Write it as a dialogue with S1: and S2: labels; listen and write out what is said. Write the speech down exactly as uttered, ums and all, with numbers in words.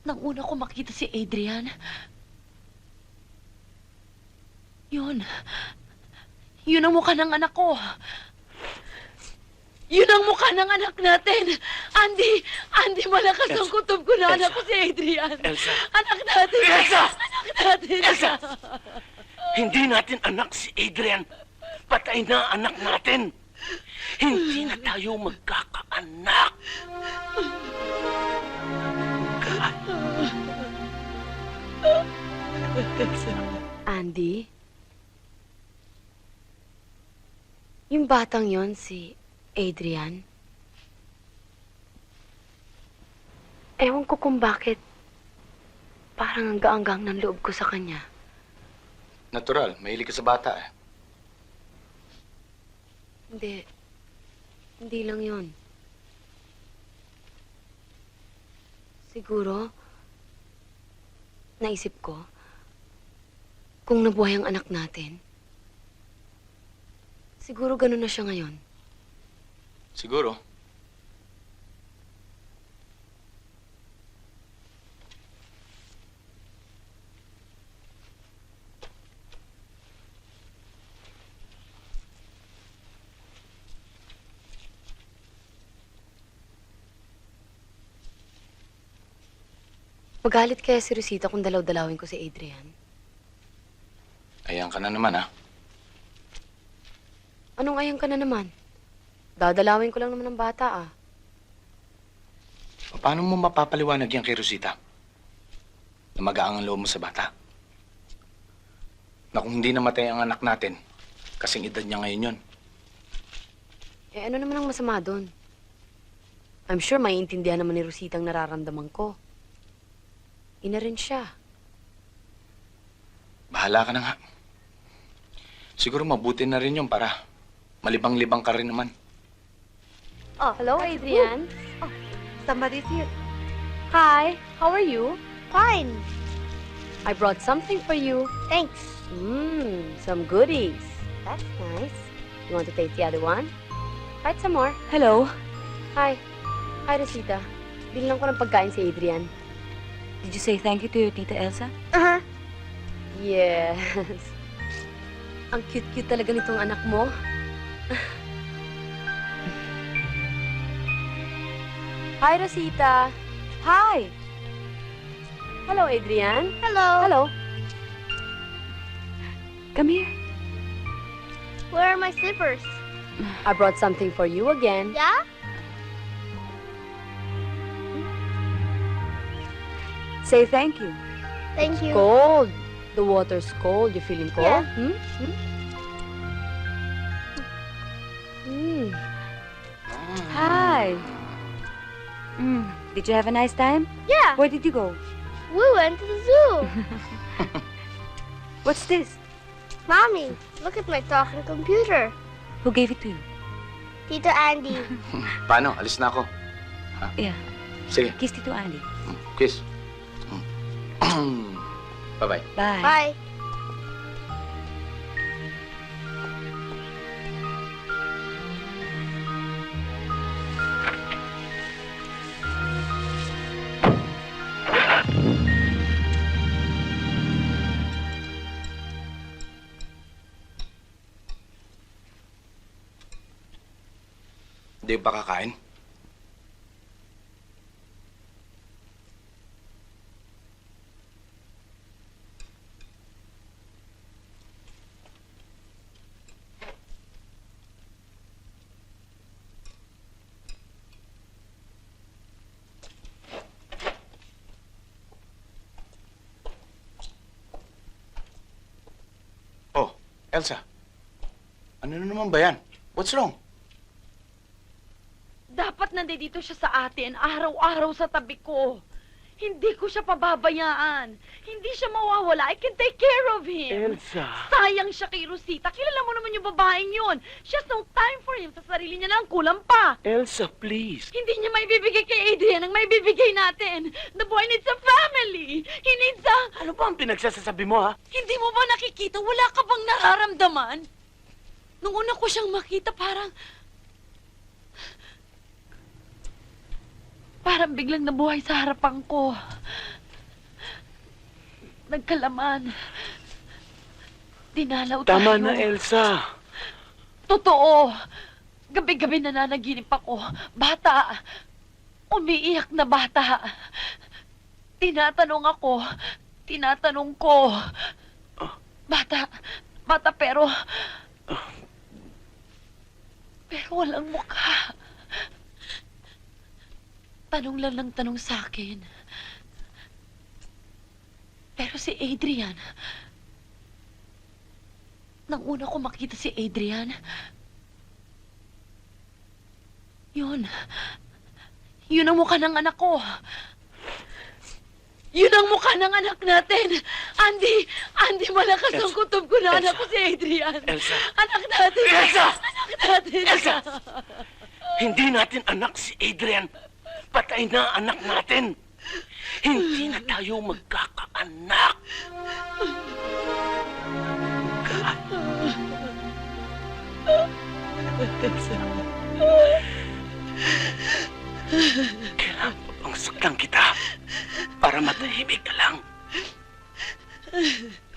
S1: nang una ko makita si Adrian, yun, yun ang mukha ng anak ko. Yun ang mukha ng anak natin. Andy, Andy, malakas ang
S2: Elsa.
S1: kutob ko na anak
S2: Elsa.
S1: ko si Adrian.
S2: Elsa.
S1: Anak natin.
S2: Elsa!
S1: Anak natin.
S2: Elsa! Hindi natin anak si Adrian. Patay na anak natin. Hindi na tayo magkakaanak.
S1: Andy? Yung batang yon si Adrian? Ewan ko kung bakit parang ang gaanggang ng loob ko sa kanya.
S3: Natural, mahilig ka sa bata eh.
S1: Hindi. Hindi lang yon. Siguro, naisip ko, kung nabuhay ang anak natin, siguro ganun na siya ngayon.
S3: Siguro.
S1: Magalit kaya si Rosita kung dalaw-dalawin ko si Adrian?
S3: Ayan ka na naman, ha?
S1: Anong ayang ka na naman? Dadalawin ko lang naman ng bata, ah.
S3: Paano mo mapapaliwanag yan kay Rosita? Na magaang ang loob mo sa bata? Na kung hindi namatay ang anak natin, kasing edad niya ngayon yun.
S1: Eh, ano naman ang masama doon? I'm sure maiintindihan naman ni Rosita ang nararamdaman ko. Ina rin siya.
S3: Bahala ka na nga. Siguro mabuti na rin yun para malibang-libang ka rin naman.
S1: Oh, hello, Adrian.
S4: Oh, somebody's here.
S1: Hi, how are you?
S4: Fine.
S1: I brought something for you.
S4: Thanks.
S1: Mmm, some goodies. That's nice. You want to taste the other one? Bite some more. Hello. Hi. Hi, Rosita. Bilang ko ng pagkain si Adrian.
S5: Did you say thank you to your Tita Elsa?
S4: Uh-huh.
S1: Yes. Ang cute-cute talaga nitong anak mo. Hi, Rosita. Hi. Hello, Adrian.
S4: Hello.
S1: Hello.
S5: Come here.
S4: Where are my slippers?
S1: I brought something for you again.
S4: Yeah?
S5: Say thank you.
S4: Thank you.
S1: Cold. The water's cold. You feeling cold?
S4: Yeah.
S1: Hmm? Hmm? Hmm.
S5: Hi. Mm, did you have a nice time?
S4: Yeah.
S5: Where did you go?
S4: We went to the zoo.
S5: What's this?
S4: Mommy, look at my talking computer.
S5: Who gave it to you?
S4: Tito Andy.
S3: Paano? Alis na ako.
S5: Yeah.
S3: Sige.
S5: Kiss Tito Andy.
S3: Kiss. Bye-bye.
S5: Bye.
S4: Bye.
S3: Hindi ba kakain? Oh, Elsa. Ano na naman ba yan? What's wrong?
S1: Dapat nandito siya sa atin, araw-araw sa tabi ko. Hindi ko siya pababayaan. Hindi siya mawawala. I can take care of him.
S2: Elsa.
S1: Sayang siya kay Rosita. Kilala mo naman yung babaeng yun. She has no time for him. Sa sarili niya lang, kulang pa.
S2: Elsa, please.
S1: Hindi niya may bibigay kay Adrian ang may bibigay natin. The boy needs a family. He needs a...
S2: Ano ba ang pinagsasasabi mo, ha?
S1: Hindi mo ba nakikita? Wala ka bang nararamdaman? Nung una ko siyang makita, parang... Parang biglang nabuhay sa harapan ko.
S6: nagkalaman. Dinalaw
S2: Tama
S6: tayo.
S2: na, Elsa.
S6: Totoo. Gabi-gabi nananaginip ako. Bata. Umiiyak na bata. Tinatanong ako. Tinatanong ko. Bata. Bata pero... Pero walang mukha. Tanong lang ng tanong sa akin. Pero si Adrian... Nang una ko makita si Adrian... Yun. Yun ang mukha ng anak ko. Yun ang mukha ng anak natin. Andy, Andy, malakas ang
S2: Elsa.
S6: kutob ko na anak
S2: Elsa.
S6: ko si Adrian.
S2: Elsa.
S6: Anak natin.
S2: Elsa!
S6: Anak natin.
S2: Elsa! Hindi natin anak si Adrian. Patay na anak natin. Hindi na tayo magkakaanak. Kailangan pa bang saktan kita para matahimik ka lang?